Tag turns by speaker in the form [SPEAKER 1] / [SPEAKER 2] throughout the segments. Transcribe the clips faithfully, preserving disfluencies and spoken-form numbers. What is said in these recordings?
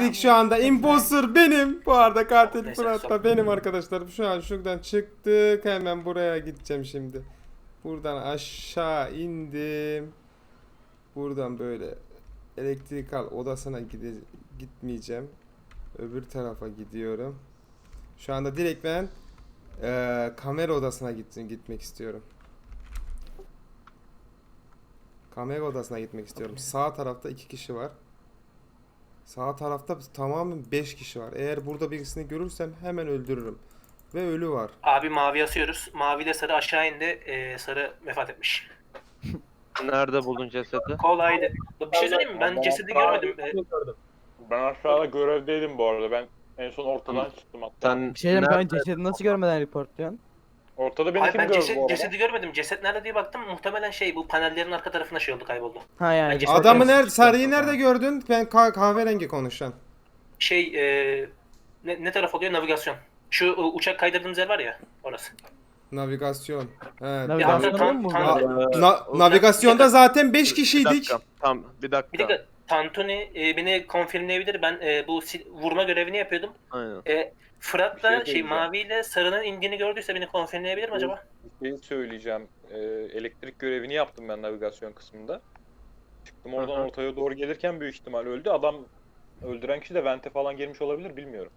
[SPEAKER 1] yedik şu anda. Imposter benim. Bu arada katil Fırat da benim arkadaşlarım. Şu an şuradan çıktık. Hemen buraya gideceğim şimdi. Buradan aşağı indim. Buradan böyle elektrikal odasına gide gitmeyeceğim. Öbür tarafa gidiyorum. Şu anda direkt ben e, kamera odasına gittim, gitmek istiyorum. Kamera odasına gitmek istiyorum. Sağ tarafta iki kişi var. Sağ tarafta tamamen beş kişi var. Eğer burada birisini görürsem hemen öldürürüm. Ve ölü var.
[SPEAKER 2] Abi mavi asıyoruz. Mavi ile sarı aşağı indi. Ee, sarı vefat etmiş.
[SPEAKER 3] Nerede buldun cesedi?
[SPEAKER 2] Kolaydı. Bir şey söyleyeyim mi? Ben cesedi görmedim. Ee,
[SPEAKER 4] Ben aşağıda görevdeydim bu arada. Ben en son ortadan çıktım hatta.
[SPEAKER 3] Sen
[SPEAKER 5] Bir şey diyeyim, ben
[SPEAKER 3] nerede-
[SPEAKER 5] cesedi nasıl görmeden reportluyorsun?
[SPEAKER 4] Ortada beni
[SPEAKER 2] Hayır,
[SPEAKER 4] kim
[SPEAKER 2] ben
[SPEAKER 4] gördü bu
[SPEAKER 2] ceset,
[SPEAKER 4] arada?
[SPEAKER 2] cesedi görmedim. Ceset nerede diye baktım. Muhtemelen şey bu panellerin arka tarafına şey oldu, kayboldu.
[SPEAKER 5] Ha yani.
[SPEAKER 2] Bence-
[SPEAKER 5] report-
[SPEAKER 1] Adamı nerede, sarıyı nerede gördün? Ben ka- kahverengi konuşan.
[SPEAKER 2] Şey e, ne, ne taraf oluyor? Navigasyon. Şu e, uçak kaydırdığımız yer var ya, orası.
[SPEAKER 1] Navigasyon. He,
[SPEAKER 5] Navigasyon
[SPEAKER 1] navi-
[SPEAKER 2] tam-
[SPEAKER 5] mu
[SPEAKER 2] tam-
[SPEAKER 5] burada?
[SPEAKER 3] Ee,
[SPEAKER 1] Na-
[SPEAKER 3] o-
[SPEAKER 1] navigasyonda zaten beş
[SPEAKER 3] Bir
[SPEAKER 1] kişiydik.
[SPEAKER 3] dakika. Tamam bir dakika.
[SPEAKER 2] Bir dakika, Tantuni e, beni konfirmleyebilir. Ben e, bu sil- vurma görevini yapıyordum.
[SPEAKER 3] Aynen.
[SPEAKER 2] E, Fırat
[SPEAKER 4] Bir şey
[SPEAKER 2] da şey
[SPEAKER 4] söyleyeceğim.
[SPEAKER 2] maviyle sarının indiğini gördüyse beni konfirmleyebilir mi acaba?
[SPEAKER 4] Bir şey söyleyeceğim. Ee, elektrik görevini yaptım ben navigasyon kısmında. Çıktım oradan
[SPEAKER 3] Hı hı.
[SPEAKER 4] ortaya doğru gelirken büyük ihtimal öldü. Adam öldüren kişi de vente falan girmiş olabilir bilmiyorum.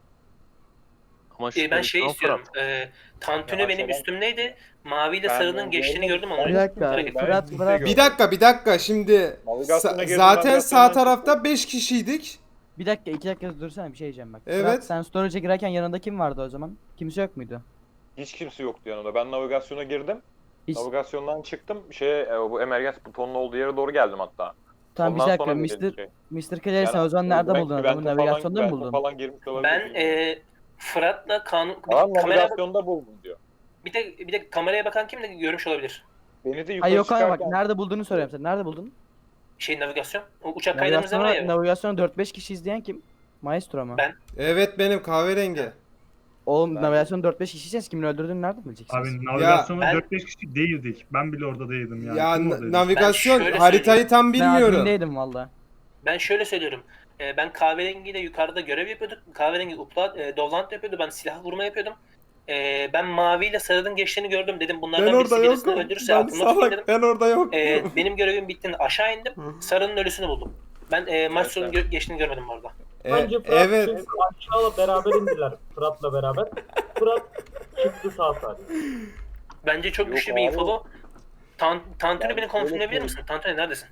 [SPEAKER 3] Ama
[SPEAKER 2] E, ben şey
[SPEAKER 3] Fırat.
[SPEAKER 2] istiyorum. E, Tantuni
[SPEAKER 4] Ya
[SPEAKER 2] benim
[SPEAKER 4] aşağıdan-
[SPEAKER 2] üstümdeydi. Maviyle
[SPEAKER 4] Ben
[SPEAKER 2] sarının
[SPEAKER 4] onu
[SPEAKER 2] geçtiğini
[SPEAKER 4] gördüm.
[SPEAKER 2] gördüm.
[SPEAKER 5] Bir
[SPEAKER 2] Onu
[SPEAKER 5] dakika.
[SPEAKER 2] hareket-
[SPEAKER 4] Ben
[SPEAKER 5] Fırat,
[SPEAKER 4] kimse
[SPEAKER 5] Fırat.
[SPEAKER 4] görmedim.
[SPEAKER 1] Bir dakika, bir dakika. Şimdi
[SPEAKER 4] Navigasyona
[SPEAKER 1] sa-
[SPEAKER 4] girdim,
[SPEAKER 1] zaten sağ
[SPEAKER 4] navigasyondan
[SPEAKER 1] tarafta
[SPEAKER 4] çıktım.
[SPEAKER 1] beş kişiydik.
[SPEAKER 5] Bir dakika, iki dakika dursana, bir şey diyeceğim bak.
[SPEAKER 1] Evet.
[SPEAKER 5] Fırat, sen storage'a girerken yanında kim vardı o zaman? Kimse yok muydu?
[SPEAKER 4] Hiç kimse yoktu yanında. Ben navigasyona girdim.
[SPEAKER 5] Hiç...
[SPEAKER 4] Navigasyondan çıktım. Şeye e, bu emergens butonun olduğu yere doğru geldim hatta.
[SPEAKER 5] Tamam bir
[SPEAKER 4] Ondan
[SPEAKER 5] dakika,
[SPEAKER 4] sonra
[SPEAKER 5] mister
[SPEAKER 4] verildi şey.
[SPEAKER 5] mister Clary sen o zaman
[SPEAKER 4] Yani
[SPEAKER 5] nerede
[SPEAKER 4] belki
[SPEAKER 5] buldun
[SPEAKER 4] vente
[SPEAKER 5] adamı?
[SPEAKER 4] falan-
[SPEAKER 5] Navigasyonda mı
[SPEAKER 4] vente
[SPEAKER 5] buldun?
[SPEAKER 4] falan girmiş olabilir.
[SPEAKER 2] Ben
[SPEAKER 4] bilmiyorum.
[SPEAKER 2] e, Fırat'la kanun
[SPEAKER 4] Tamam,
[SPEAKER 2] kamera
[SPEAKER 4] navigasyonda buldum diyor.
[SPEAKER 2] bir de bir de kameraya bakan kim de görmüş olabilir.
[SPEAKER 4] Beni de yukarı
[SPEAKER 5] Hayır yok hayır bak,
[SPEAKER 4] çıkarken
[SPEAKER 5] nerede bulduğunu soruyorum sen. Nerede buldun?
[SPEAKER 2] Şey navigasyon. O uçak kaydırdığımız yer var
[SPEAKER 5] Navigasyona,
[SPEAKER 2] ya.
[SPEAKER 5] navigasyona dört beş kişi izleyen kim? Maestro mu?
[SPEAKER 2] Ben.
[SPEAKER 1] Evet, benim kahverengi.
[SPEAKER 5] Oğlum
[SPEAKER 4] Ben-
[SPEAKER 5] navigasyona dört beş kişiyseniz kimin öldürdüğünü nereden bileceksiniz?
[SPEAKER 6] Abi navigasyonda
[SPEAKER 2] ben-
[SPEAKER 6] dört beş kişi değildik. Ben bile orada değildim yani.
[SPEAKER 1] Ya
[SPEAKER 6] Kim
[SPEAKER 1] na-
[SPEAKER 6] oradaydı?
[SPEAKER 1] navigasyon
[SPEAKER 2] Ben şöyle
[SPEAKER 1] haritayı tam
[SPEAKER 5] Ben
[SPEAKER 1] bilmiyorum.
[SPEAKER 5] admindeydim valla.
[SPEAKER 2] Ben şöyle söylüyorum. E, ben kahverengiyle yukarıda görev yapıyorduk. Kahverengi upload, e, Dovlant yapıyordu. Ben silah vurma yapıyordum. E, ben maviyle sarının geçtiğini gördüm. Dedim bunlardan
[SPEAKER 1] Ben
[SPEAKER 2] birisi
[SPEAKER 1] orada
[SPEAKER 2] birisini
[SPEAKER 1] yokum.
[SPEAKER 2] öldürürse
[SPEAKER 1] Ben
[SPEAKER 2] aklımda tutayım dedim.
[SPEAKER 1] salak. Ben orada yokum.
[SPEAKER 2] E, benim görevim bittiğinde aşağı indim. Sarının ölüsünü buldum. Ben e, Maestro'nun
[SPEAKER 4] Evet,
[SPEAKER 2] gö- geçtiğini görmedim bu arada.
[SPEAKER 1] E,
[SPEAKER 7] Bence Fırat
[SPEAKER 1] evet.
[SPEAKER 7] çünkü aşağıla beraber indiler Fırat'la beraber. Fırat çıktı sağ salim.
[SPEAKER 2] Bence çok
[SPEAKER 4] Yok
[SPEAKER 2] güçlü
[SPEAKER 4] abi.
[SPEAKER 2] bir info bu. Tan Tantuni
[SPEAKER 4] Ben
[SPEAKER 2] beni konfirmleyebilir
[SPEAKER 4] şöyle
[SPEAKER 2] misin? Tantuni neredesin?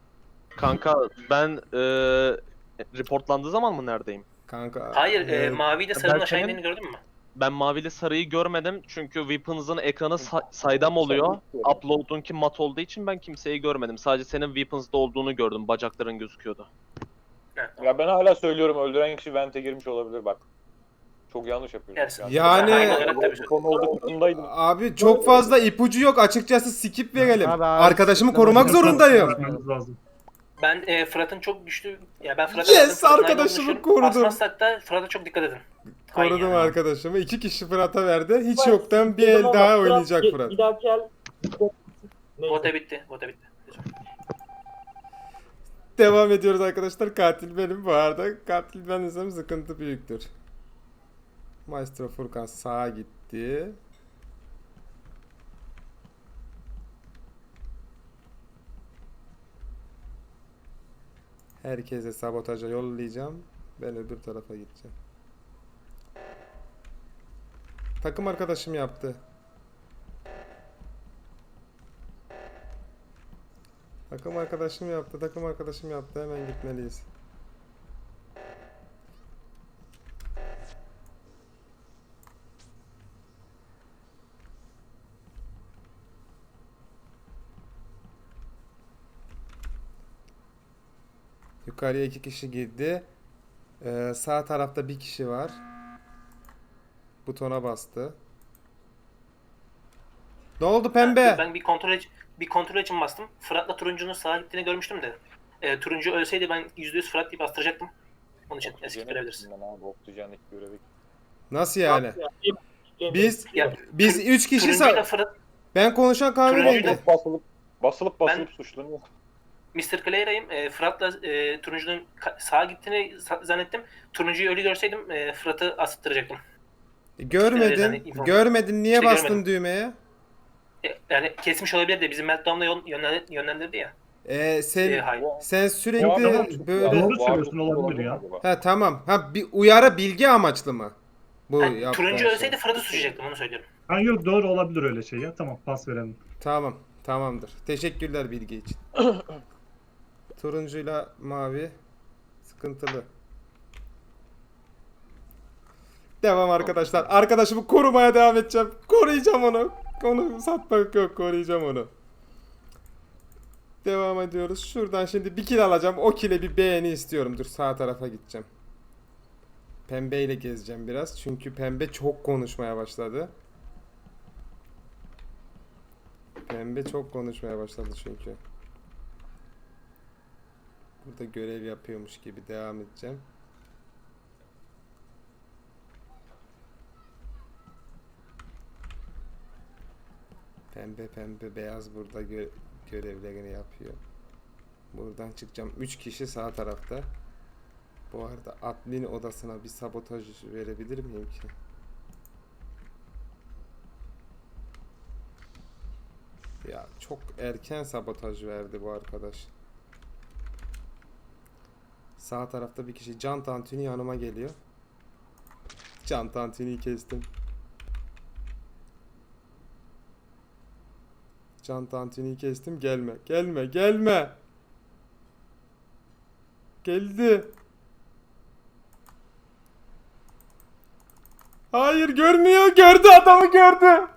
[SPEAKER 3] Kanka ben e, reportlandığı zaman mı neredeyim?
[SPEAKER 1] Kanka.
[SPEAKER 2] Hayır, e,
[SPEAKER 1] e,
[SPEAKER 2] maviyle sarının
[SPEAKER 3] ben
[SPEAKER 2] aşağı
[SPEAKER 3] senin-
[SPEAKER 2] indiğini gördün mü?
[SPEAKER 3] Ben mavili sarıyı görmedim çünkü Weapons'ın ekranı sa- saydam oluyor. Upload'unki mat olduğu için ben kimseyi görmedim. Sadece senin Weapons'da olduğunu gördüm. Bacakların gözüküyordu.
[SPEAKER 2] Evet.
[SPEAKER 4] ya ben hala söylüyorum öldüren kişi vente girmiş olabilir bak. Çok yanlış yapıyorsun.
[SPEAKER 2] Evet.
[SPEAKER 1] Yani-
[SPEAKER 2] Aynı olarak tabii.
[SPEAKER 4] Bu konu olduğu kısımdaydım.
[SPEAKER 1] Abi çok fazla ipucu yok. Açıkçası skip verelim.
[SPEAKER 5] Abi, abi,
[SPEAKER 1] Arkadaşımı
[SPEAKER 5] skip
[SPEAKER 1] korumak
[SPEAKER 5] verelim.
[SPEAKER 1] zorundayım.
[SPEAKER 6] Bakmamız lazım.
[SPEAKER 2] Ben e, Fırat'ın çok güçlü... Ya ben Fırat'a
[SPEAKER 1] Yes,
[SPEAKER 2] verdim, Fırat'ın
[SPEAKER 1] arkadaşımı
[SPEAKER 2] ayrıldığını düşünüyorum.
[SPEAKER 1] korudum.
[SPEAKER 2] Asmazsak da Fırat'a çok dikkat edin. Hain
[SPEAKER 1] Korudum
[SPEAKER 2] ya.
[SPEAKER 1] arkadaşımı. İki kişi Fırat'a verdi. Hiç
[SPEAKER 7] Ben
[SPEAKER 1] yoktan bir
[SPEAKER 7] dedim
[SPEAKER 1] el
[SPEAKER 7] ama
[SPEAKER 1] daha
[SPEAKER 7] Fırat
[SPEAKER 1] oynayacak
[SPEAKER 7] bir-
[SPEAKER 1] Fırat.
[SPEAKER 7] Bir dahaki el... Neyse.
[SPEAKER 2] Vote bitti. Vote bitti.
[SPEAKER 1] Devam ediyoruz arkadaşlar. Katil benim bu arada. Katil ben isem sıkıntı büyüktür. Maestro Furkan sağa gitti. Herkese sabotaja yollayacağım. Ben öbür tarafa gideceğim. Takım arkadaşım yaptı. Takım arkadaşım yaptı. Takım arkadaşım yaptı. Hemen gitmeliyiz. Yukarıya iki kişi girdi. Ee, sağ tarafta bir kişi var. Butona bastı. Ne oldu pembe?
[SPEAKER 2] Ben bir kontrol için, bir kontrol için bastım. Fırat'la turuncunun sağa gittiğini görmüştüm de. E, turuncu ölseydi ben yüzde yüz Fırat deyip bastıracaktım. Onun için eski görebiliriz.
[SPEAKER 4] Ben abi oksijenlik görevi.
[SPEAKER 1] Nasıl yani?
[SPEAKER 7] Yani,
[SPEAKER 1] Biz
[SPEAKER 2] Ya,
[SPEAKER 1] biz üç kişi
[SPEAKER 2] Turuncuyla
[SPEAKER 1] sa-
[SPEAKER 2] Fırat...
[SPEAKER 1] Ben konuşan kahverengi.
[SPEAKER 2] Turuncuyla-
[SPEAKER 4] Basılıp basılıp basılıp
[SPEAKER 2] Ben-
[SPEAKER 4] suçlanıyor.
[SPEAKER 2] mister Clara'yım. E, Fırat'la e, Turuncu'nun ka- sağa gittiğini sa- zannettim. Turuncu'yu ölü görseydim e, Fırat'ı asıttıracaktım.
[SPEAKER 1] E, Görmedin.
[SPEAKER 2] zannettim.
[SPEAKER 1] Görmedin. Niye
[SPEAKER 2] İşte
[SPEAKER 1] bastın
[SPEAKER 2] görmedim.
[SPEAKER 1] düğmeye?
[SPEAKER 2] E, yani kesmiş olabilir de bizim Meltdown'la yön- yönlen- yönlendirdi ya.
[SPEAKER 1] E, sen
[SPEAKER 2] E, hayır.
[SPEAKER 1] sen
[SPEAKER 4] Bu
[SPEAKER 1] sürekli
[SPEAKER 4] adam-
[SPEAKER 1] böyle...
[SPEAKER 6] Doğru
[SPEAKER 4] Bu
[SPEAKER 6] söylüyorsun,
[SPEAKER 4] adam
[SPEAKER 6] olabilir ya.
[SPEAKER 4] acaba?
[SPEAKER 1] Ha tamam. Ha bir uyarı bilgi amaçlı mı? Bu
[SPEAKER 2] Ha,
[SPEAKER 1] yaptığın
[SPEAKER 2] Turuncu
[SPEAKER 1] şey.
[SPEAKER 2] ölseydi Fırat'ı suçlayacaktım onu söylüyorum.
[SPEAKER 6] Ha yok, doğru olabilir öyle şey ya. Tamam, pas verelim.
[SPEAKER 1] Tamam. Tamamdır. Teşekkürler bilgi için. Turuncuyla mavi sıkıntılı. Devam arkadaşlar. Arkadaşımı korumaya devam edeceğim. Koruyacağım onu. Onu satmak yok. Koruyacağım onu. Devam ediyoruz. Şuradan şimdi bir kill alacağım. O kill'e bir beğeni istiyorum. Dur sağ tarafa gideceğim. Pembeyle gezeceğim biraz. Çünkü pembe çok konuşmaya başladı. Pembe çok konuşmaya başladı çünkü. Burada görev yapıyormuş gibi devam edeceğim. Pembe pembe beyaz burada gö görevlerini yapıyor. Buradan çıkacağım. üç kişi sağ tarafta. Bu arada admin odasına bir sabotaj verebilir miyim ki? Ya çok erken sabotaj verdi bu arkadaş. Sağ tarafta bir kişi. Can Tantuni yanıma geliyor. Can Tantuni'yi kestim. Can Tantuni'yi kestim. Gelme. Gelme. Gelme. Geldi. Hayır görmüyor. Gördü adamı gördü.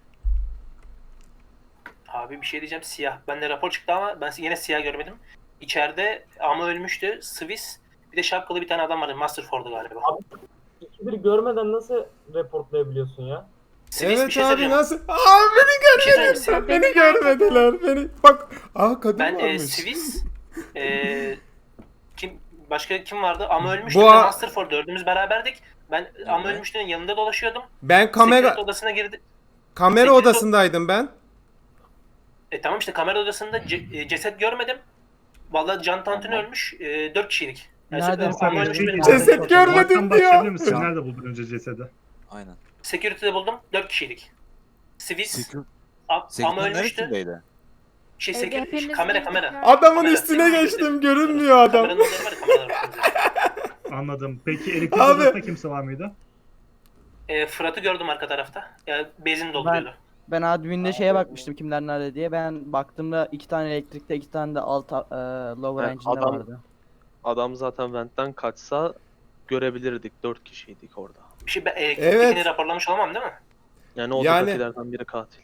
[SPEAKER 2] Abi bir şey diyeceğim siyah. Bende rapor çıktı ama ben yine siyah görmedim. İçeride ama ölmüştü. Swiss bir de şapkalı bir tane adam vardı. Masterford'u galiba.
[SPEAKER 7] Abi iki bir görmeden nasıl reportlayabiliyorsun ya?
[SPEAKER 2] Swiss
[SPEAKER 1] Evet
[SPEAKER 2] bir şey
[SPEAKER 1] abi
[SPEAKER 2] söyleyeceğim.
[SPEAKER 1] nasıl? Aa beni
[SPEAKER 2] Bir şey söyleyeyim.
[SPEAKER 1] görmediler. Beni görmediler. Beni bak. Aa kadın
[SPEAKER 2] Ben e,
[SPEAKER 1] varmış.
[SPEAKER 2] Swiss e, kim başka kim vardı? Ama ölmüştü.
[SPEAKER 1] Bu
[SPEAKER 2] Bu
[SPEAKER 1] a-
[SPEAKER 2] Masterford dördümüz beraberdik. Ben ama ölmüştü'nün yanında dolaşıyordum.
[SPEAKER 1] Ben kamera
[SPEAKER 2] Secret odasına girdi.
[SPEAKER 1] kamera
[SPEAKER 2] Secret-
[SPEAKER 1] odasındaydım ben.
[SPEAKER 2] E tamam işte kamera odasında ce- e, ceset görmedim. Vallahi Can Tantuni ölmüş. E, dört kişiydik. Yani
[SPEAKER 5] Nereden
[SPEAKER 2] ama
[SPEAKER 6] Sen
[SPEAKER 2] ölmüş
[SPEAKER 6] bir
[SPEAKER 2] benim.
[SPEAKER 1] Ceset
[SPEAKER 6] Ceset
[SPEAKER 1] görmedim diyor.
[SPEAKER 6] başlayabilir misin?
[SPEAKER 8] Ya.
[SPEAKER 6] Nerede buldun önce cesedi?
[SPEAKER 8] Aynen.
[SPEAKER 2] Security'de buldum. dört kişiydik. Swiss,
[SPEAKER 8] Sekür...
[SPEAKER 2] a- ama
[SPEAKER 8] Sekür'ün
[SPEAKER 2] ölmüştü.
[SPEAKER 8] neresindeydi?
[SPEAKER 2] Şey,
[SPEAKER 9] Evde
[SPEAKER 2] security,
[SPEAKER 9] hepimiz
[SPEAKER 2] kamera
[SPEAKER 9] girdik
[SPEAKER 2] kamera.
[SPEAKER 9] ya.
[SPEAKER 1] Adamın
[SPEAKER 2] Kamera.
[SPEAKER 1] üstüne geçtim. Görünmüyor adam.
[SPEAKER 2] Kameranın odası var ya, kameralar var.
[SPEAKER 6] Anladım. Peki elektrik
[SPEAKER 1] Abi.
[SPEAKER 6] odasında kimse var mıydı?
[SPEAKER 2] E, Fırat'ı gördüm arka tarafta. Yani bezin dolduruyordu.
[SPEAKER 5] Ben admin'de şeye bakmıştım kimler nerede diye. Ben baktığımda iki tane elektrikte, iki tane de alt e, lower
[SPEAKER 3] Evet,
[SPEAKER 5] engine'de
[SPEAKER 3] adam-
[SPEAKER 5] vardı.
[SPEAKER 3] Adam zaten vent'ten kaçsa görebilirdik. Dört kişiydik orada.
[SPEAKER 2] Bir şey ben elektriktekini
[SPEAKER 1] Evet.
[SPEAKER 2] raporlamış olamam değil mi?
[SPEAKER 3] Yani
[SPEAKER 1] Yani-
[SPEAKER 3] odadakilerden biri katil.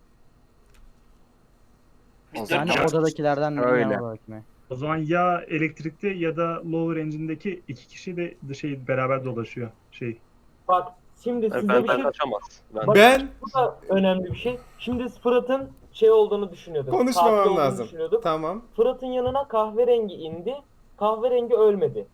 [SPEAKER 2] Biz
[SPEAKER 8] O
[SPEAKER 2] dört
[SPEAKER 8] zaman-
[SPEAKER 5] Yani
[SPEAKER 2] kişi-
[SPEAKER 5] odadakilerden biri
[SPEAKER 8] Öyle.
[SPEAKER 5] genel olarak mı?
[SPEAKER 6] O zaman ya elektrikte ya da lower engine'deki iki kişi de şey beraber dolaşıyor. Şey.
[SPEAKER 7] Bak şimdi
[SPEAKER 3] Yani
[SPEAKER 7] size bir
[SPEAKER 3] vent'ten
[SPEAKER 7] şey...
[SPEAKER 3] kaçamaz. Ben
[SPEAKER 7] Bak,
[SPEAKER 1] Ben
[SPEAKER 7] Bu da önemli bir şey. Şimdi Fırat'ın şey olduğunu düşünüyorduk.
[SPEAKER 1] konuşmamam
[SPEAKER 7] katil olduğunu
[SPEAKER 1] lazım.
[SPEAKER 7] düşünüyorduk.
[SPEAKER 1] Tamam.
[SPEAKER 7] Fırat'ın yanına kahverengi indi. Kahverengi ölmedi.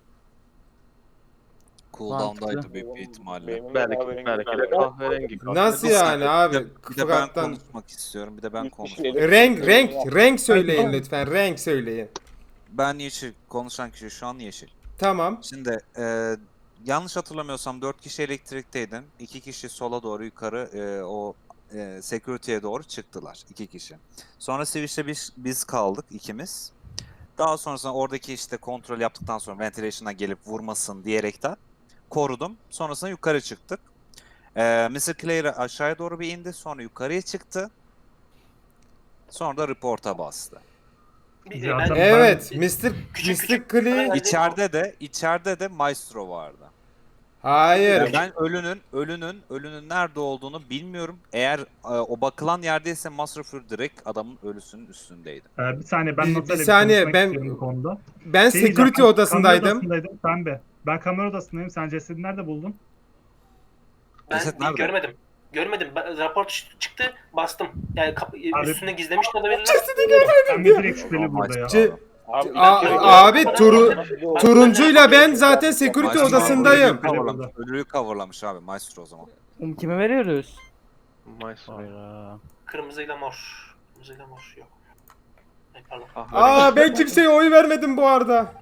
[SPEAKER 8] Cooldown'daydı
[SPEAKER 5] Mantıklı.
[SPEAKER 8] büyük bir ihtimalle.
[SPEAKER 4] Benim de
[SPEAKER 3] belki,
[SPEAKER 4] kahverengi
[SPEAKER 3] belki de
[SPEAKER 4] geldi.
[SPEAKER 3] kahverengi katil.
[SPEAKER 1] Nasıl
[SPEAKER 8] Bir
[SPEAKER 1] yani
[SPEAKER 8] saniye,
[SPEAKER 1] abi?
[SPEAKER 8] Bir de, bir de ben
[SPEAKER 1] Fırat'tan
[SPEAKER 8] konuşmak istiyorum. Bir de ben
[SPEAKER 4] Üç
[SPEAKER 8] konuşmak
[SPEAKER 4] kişi
[SPEAKER 8] istiyorum.
[SPEAKER 1] renk renk renk söyleyin lütfen. Renk söyleyin.
[SPEAKER 8] Ben yeşil. Konuşan kişi şu an yeşil.
[SPEAKER 1] Tamam.
[SPEAKER 8] Şimdi e, yanlış hatırlamıyorsam dört kişi elektrikteydim. iki kişi sola doğru yukarı e, o e, security'ye doğru çıktılar. iki kişi. Sonra Switch'te biz, biz kaldık ikimiz. Daha sonrasında oradaki işte kontrol yaptıktan sonra ventilation'a gelip vurmasın diyerekten korudum. Sonrasında yukarı çıktık. E, mister Clare aşağıya doğru bir indi. Sonra yukarıya çıktı. Sonra da report'a bastı.
[SPEAKER 2] Bir-
[SPEAKER 6] Ya
[SPEAKER 2] ben-
[SPEAKER 6] tabii.
[SPEAKER 1] Evet,
[SPEAKER 2] Ben-
[SPEAKER 1] mister
[SPEAKER 2] Küçük
[SPEAKER 1] mister
[SPEAKER 2] küçük-
[SPEAKER 1] Klee.
[SPEAKER 2] Ben-
[SPEAKER 8] İçeride de içeride de Maestro vardı.
[SPEAKER 1] Hayır.
[SPEAKER 8] Yani ben ölünün ölünün ölünün nerede olduğunu bilmiyorum. Eğer e, o bakılan yerdeyse Masterfur direkt adamın ölüsünün üstündeydi.
[SPEAKER 6] Ee, bir saniye ben
[SPEAKER 1] Bir-
[SPEAKER 6] Natali'yle
[SPEAKER 1] bir saniye,
[SPEAKER 6] konuşmak
[SPEAKER 1] ben-
[SPEAKER 6] istiyorum bu konuda.
[SPEAKER 1] Ben
[SPEAKER 6] Şey diyeceğim,
[SPEAKER 1] security
[SPEAKER 6] ben
[SPEAKER 1] odasındaydım.
[SPEAKER 6] Kamera odasındaydım pembe. Ben kamera odasındayım. Sen cesedi nerede buldun?
[SPEAKER 2] Ben
[SPEAKER 8] Ceset
[SPEAKER 2] değil,
[SPEAKER 8] nerede?
[SPEAKER 2] görmedim. Görmedim. Ben- rapor ç- çıktı, bastım. Yani kap-
[SPEAKER 6] Abi-
[SPEAKER 2] üstüne gizlemiş de olabilirler.
[SPEAKER 6] Ben de direkt şüpheli burada ya.
[SPEAKER 1] Ce-
[SPEAKER 4] Abi,
[SPEAKER 1] A-
[SPEAKER 4] bir dakika.
[SPEAKER 1] abi, turu-
[SPEAKER 2] Ben-
[SPEAKER 1] Turuncuyla ben zaten security
[SPEAKER 8] Maestro
[SPEAKER 1] odasındayım.
[SPEAKER 8] Ölüyü coverlamış, ölüyü coverlamış abi Maestro o zaman.
[SPEAKER 5] Um, kime veriyoruz?
[SPEAKER 3] Maestro.
[SPEAKER 5] Hayda.
[SPEAKER 2] Kırmızıyla mor. Kırmızıyla mor yok. Ay, pardon.
[SPEAKER 3] Ah,
[SPEAKER 1] Aa ben kimseye oy vermedim bu arada.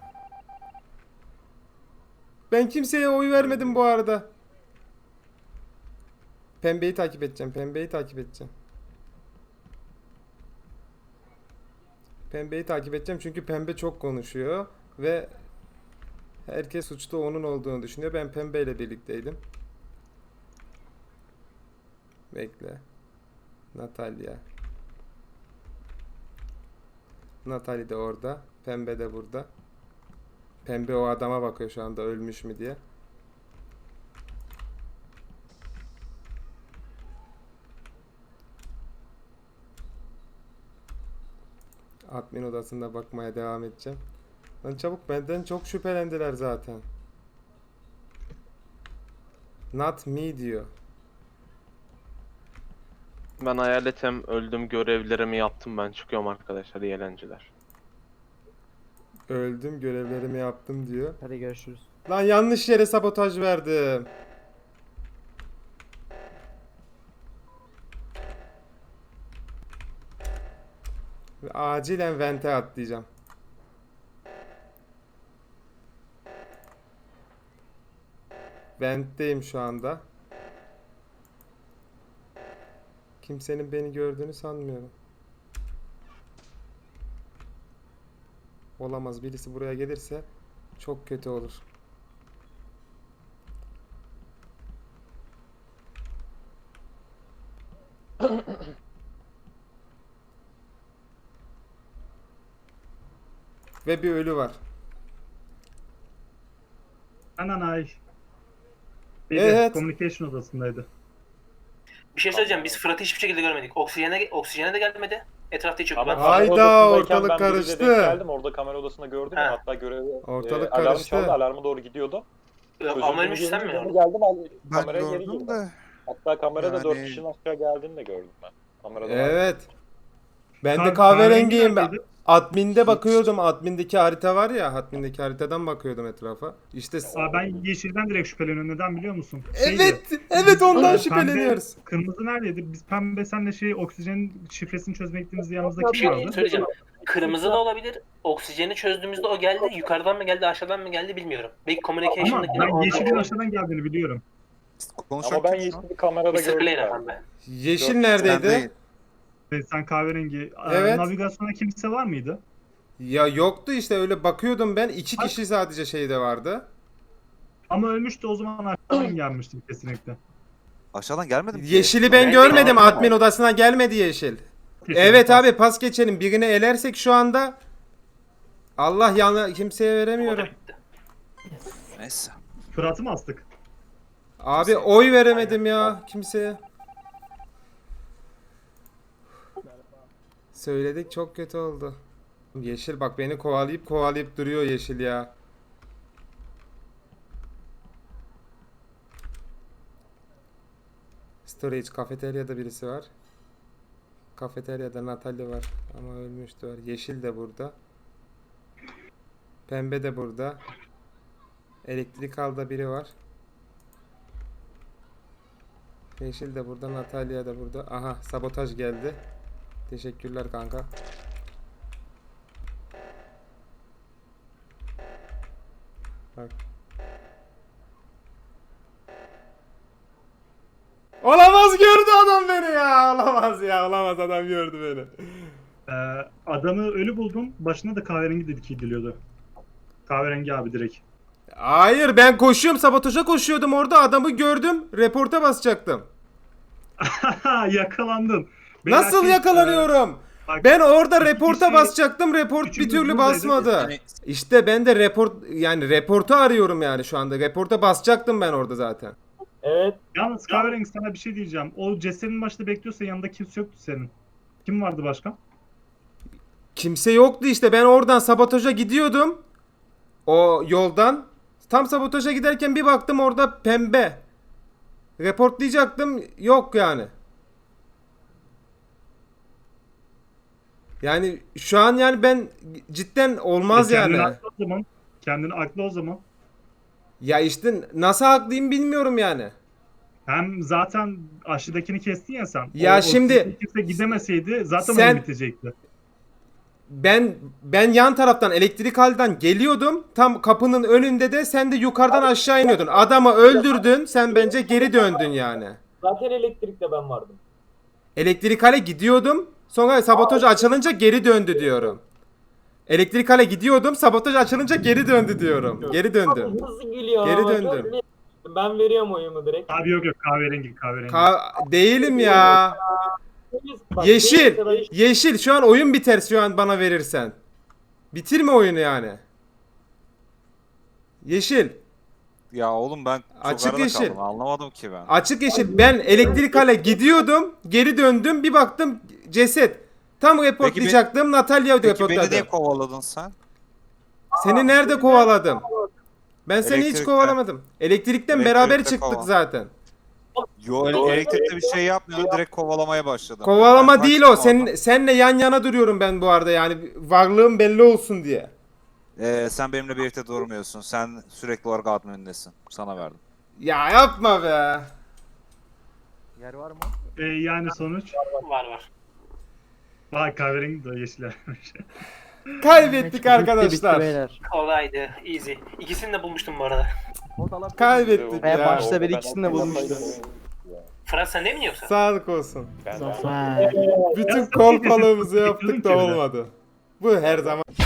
[SPEAKER 1] Ben kimseye oy vermedim bu arada. Pembeyi takip edeceğim. Pembeyi takip edeceğim. Pembeyi takip edeceğim çünkü pembe çok konuşuyor ve herkes suçlu onun olduğunu düşünüyor. Ben pembeyle birlikteydim. Bekle. Natalya. Natalya de orada. Pembe de burada. Pembe o adama bakıyor şu anda ölmüş mü diye. Admin odasında bakmaya devam edeceğim. Lan çabuk, benden çok şüphelendiler zaten. Not me diyor.
[SPEAKER 3] Ben hayaletim, öldüm, görevlerimi yaptım, ben çıkıyorum arkadaşlar, iyi eğlenceler.
[SPEAKER 1] Öldüm, görevlerimi yaptım diyor.
[SPEAKER 5] Hadi görüşürüz.
[SPEAKER 1] Lan yanlış yere sabotaj verdim. Ve acilen vente atlayacağım. Ventteyim şu anda. Kimsenin beni gördüğünü sanmıyorum. Olamaz, birisi buraya gelirse çok kötü olur. Ve bir ölü var.
[SPEAKER 6] Ananay. Şeyde,
[SPEAKER 1] Evet.
[SPEAKER 6] Communication odasındaydı.
[SPEAKER 2] Bir şey söyleyeceğim. Biz Fırat'ı hiçbir şekilde görmedik. Oksijene, oksijene de gelmedi. Etrafta hiç yoktu.
[SPEAKER 4] Ama
[SPEAKER 2] Ben-
[SPEAKER 1] Hayda,
[SPEAKER 4] kamera odasındayken
[SPEAKER 1] ortalık
[SPEAKER 4] ben biriyle
[SPEAKER 1] karıştı.
[SPEAKER 4] denk geldim. Orada kamera odasında gördüm ya.
[SPEAKER 2] Ha.
[SPEAKER 4] Hatta görevi
[SPEAKER 1] Ortalık
[SPEAKER 4] e, alarm
[SPEAKER 1] karıştı.
[SPEAKER 4] çaldı. Alarma doğru gidiyordu.
[SPEAKER 2] Ama ölmüş sen mi?
[SPEAKER 4] Geri geldim. al-
[SPEAKER 8] Ben
[SPEAKER 4] Kameraya geri
[SPEAKER 8] gördüm
[SPEAKER 4] girdim.
[SPEAKER 8] de
[SPEAKER 4] Hatta kamerada dört
[SPEAKER 8] Yani-
[SPEAKER 4] kişinin aşağı geldiğini de gördüm ben. Kamerada var.
[SPEAKER 1] Evet. Ben de
[SPEAKER 6] Kah-
[SPEAKER 1] kahverengiyim.
[SPEAKER 6] kahverengi neredeydi?
[SPEAKER 1] Admin'de bakıyordum. Admin'deki harita var ya. Admin'deki haritadan bakıyordum etrafa. İşte
[SPEAKER 6] Aa, ben yeşilden direkt şüpheleniyorum. Neden biliyor musun? Şeydi,
[SPEAKER 1] evet, evet ondan
[SPEAKER 6] pembe-
[SPEAKER 1] şüpheleniyoruz.
[SPEAKER 6] Kırmızı neredeydi? Biz pembe senle şey oksijenin şifresini çözmeye gittiğimizde yanımızda
[SPEAKER 2] Bir
[SPEAKER 6] kim
[SPEAKER 2] şey
[SPEAKER 6] vardı?
[SPEAKER 2] söyleyeceğim. Kırmızı da olabilir. Oksijeni çözdüğümüzde o geldi. Yukarıdan mı geldi, aşağıdan mı geldi bilmiyorum. Belki
[SPEAKER 6] Ama
[SPEAKER 2] communication'daki
[SPEAKER 6] ben yeşilin aşağıdan geldiğini biliyorum.
[SPEAKER 8] konuşan
[SPEAKER 4] Ama ben
[SPEAKER 8] kim şu an?
[SPEAKER 4] yeşili kamerada
[SPEAKER 2] mister
[SPEAKER 4] gördüm.
[SPEAKER 2] Player
[SPEAKER 4] yani.
[SPEAKER 2] efendim.
[SPEAKER 1] Yeşil
[SPEAKER 8] Ben
[SPEAKER 1] neredeydi?
[SPEAKER 8] değil.
[SPEAKER 6] Ee, Sen kahverengi. Aa,
[SPEAKER 1] Evet.
[SPEAKER 6] Navigasyona kimse var mıydı?
[SPEAKER 1] Ya yoktu işte, öyle bakıyordum ben. İki kişi sadece şeyde vardı.
[SPEAKER 6] Ama ölmüştü, o zaman aşağıdan gelmiştim kesinlikle.
[SPEAKER 8] Aşağıdan gelmedim ki.
[SPEAKER 1] Yeşili ben
[SPEAKER 2] Ben
[SPEAKER 1] görmedim.
[SPEAKER 2] de-
[SPEAKER 1] Admin odasına gelmedi yeşil. Evet abi, pas geçelim. Birini elersek şu anda Allah yana kimseye
[SPEAKER 2] O da
[SPEAKER 1] veremiyorum.
[SPEAKER 2] bitti.
[SPEAKER 8] Neyse.
[SPEAKER 6] Fırat'ı mı astık?
[SPEAKER 1] Abi oy veremedim ya kimseye. Söyledik, çok kötü oldu. Yeşil bak beni kovalayıp kovalayıp duruyor yeşil ya. Storage kafeteryada birisi var. Kafeteryada Natalya var ama ölmüştü var. Yeşil de burada. Pembe de burada. Elektrik alda biri var. Yeşil de burada, Natalya da burada. Aha, sabotaj geldi. Teşekkürler kanka. Bak. Olamaz, gördü adam beni ya. Olamaz ya, olamaz, adam gördü beni.
[SPEAKER 6] Ee, adamı ölü buldum. Başına da kahverengi dedik ediliyordu. Kahverengi abi direkt.
[SPEAKER 1] Hayır, ben koşuyorum, sabotaja koşuyordum orada, adamı gördüm, reporta basacaktım.
[SPEAKER 6] Yakalandın. Beyler,
[SPEAKER 1] Nasıl
[SPEAKER 6] siz,
[SPEAKER 1] yakalanıyorum?
[SPEAKER 6] e, bak,
[SPEAKER 1] Ben orada
[SPEAKER 6] iki
[SPEAKER 1] reporta
[SPEAKER 6] kişi-
[SPEAKER 1] basacaktım, report bir
[SPEAKER 6] üçümüz
[SPEAKER 1] türlü
[SPEAKER 6] buradaydık.
[SPEAKER 1] basmadı.
[SPEAKER 8] Yani
[SPEAKER 1] İşte ben de report, yani reportu arıyorum yani şu anda. Reporta basacaktım ben orada zaten.
[SPEAKER 7] Evet.
[SPEAKER 6] Yalnız kahverengi, sana bir şey diyeceğim. O cesedin başında bekliyorsa yanında kimse yoktu senin. Kim vardı başka?
[SPEAKER 1] Kimse yoktu işte, ben oradan sabotaja gidiyordum. O yoldan. Tam sabotaja giderken bir baktım orada pembe. Reportlayacaktım, yok yani. Yani şu an yani ben cidden olmaz
[SPEAKER 6] E, kendini
[SPEAKER 1] yani.
[SPEAKER 6] aklı o zaman. Kendini aklı o zaman.
[SPEAKER 1] Ya işte nasıl haklıyım bilmiyorum yani.
[SPEAKER 6] Hem zaten aşıdakini kestin ya sen.
[SPEAKER 1] Ya
[SPEAKER 6] O- o
[SPEAKER 1] şimdi-
[SPEAKER 6] kimse gidemeseydi zaten
[SPEAKER 1] Sen-
[SPEAKER 6] oyun bitecekti.
[SPEAKER 1] ben ben yan taraftan elektrik halden geliyordum. Tam kapının önünde de sen de yukarıdan aşağı iniyordun. Adamı öldürdün. Sen bence geri döndün yani.
[SPEAKER 7] Zaten elektrikte ben vardım.
[SPEAKER 1] Elektrik hale gidiyordum. Sonra sabotaj açılınca geri döndü diyorum. Elektrik hale gidiyordum. Sabotaj açılınca geri döndü diyorum. Geri döndüm.
[SPEAKER 7] Abi nasıl gülüyor
[SPEAKER 1] Geri
[SPEAKER 7] ama,
[SPEAKER 1] döndüm.
[SPEAKER 7] çok net. Ben veriyorum oyumu direkt.
[SPEAKER 6] Abi yok yok kahverengi kahverengi.
[SPEAKER 1] Ka- değilim ya.
[SPEAKER 7] Bak,
[SPEAKER 1] Yeşil.
[SPEAKER 7] benim kadar-
[SPEAKER 1] Yeşil. Şu an oyun biter şu an bana verirsen. Bitirme oyunu yani. Yeşil.
[SPEAKER 8] Ya oğlum ben çok
[SPEAKER 1] Açık
[SPEAKER 8] arada
[SPEAKER 1] yeşil.
[SPEAKER 8] kaldım. Anlamadım ki ben.
[SPEAKER 1] Açık yeşil. Ben elektrik hale gidiyordum. Geri döndüm. Bir baktım ceset. Tam reportlayacaktım. Natalya
[SPEAKER 8] Peki beni niye
[SPEAKER 1] reportladı.
[SPEAKER 8] kovaladın sen?
[SPEAKER 1] Seni nerede kovaladım? Ben seni hiç
[SPEAKER 8] Elektrikte.
[SPEAKER 1] kovalamadım. Elektrikten
[SPEAKER 8] Elektrikte
[SPEAKER 1] beraber çıktık
[SPEAKER 8] kovala.
[SPEAKER 1] zaten.
[SPEAKER 8] Yo ele- elektrikte bir şey yapmıyordun, direkt kovalamaya başladım.
[SPEAKER 1] Kovalama
[SPEAKER 8] Ben
[SPEAKER 1] değil o.
[SPEAKER 8] kaçtım
[SPEAKER 1] Sen
[SPEAKER 8] oradan.
[SPEAKER 1] senle yan yana duruyorum ben bu arada yani varlığım belli olsun diye.
[SPEAKER 8] Ee, sen benimle birlikte durmuyorsun. Sen sürekli olarak admindesin. Sana verdim.
[SPEAKER 1] Ya yapma be.
[SPEAKER 5] Yer var mı?
[SPEAKER 6] Ee, yani sonuç.
[SPEAKER 2] Var var.
[SPEAKER 6] Vay kahverengi de yeşil vermiş.
[SPEAKER 1] Kaybettik
[SPEAKER 5] Bitti, bitti
[SPEAKER 1] arkadaşlar.
[SPEAKER 5] beyler.
[SPEAKER 2] Kolaydı. Easy. İkisini de bulmuştum bu arada.
[SPEAKER 1] Kaybettik
[SPEAKER 5] Ben
[SPEAKER 1] ya.
[SPEAKER 5] başta bir ikisini de bulmuştum.
[SPEAKER 2] Fırat sen de mi yoksa?
[SPEAKER 1] Sağlık olsun.
[SPEAKER 7] Zafer.
[SPEAKER 1] Bütün kolpalığımızı yaptık da olmadı. Bu her zaman.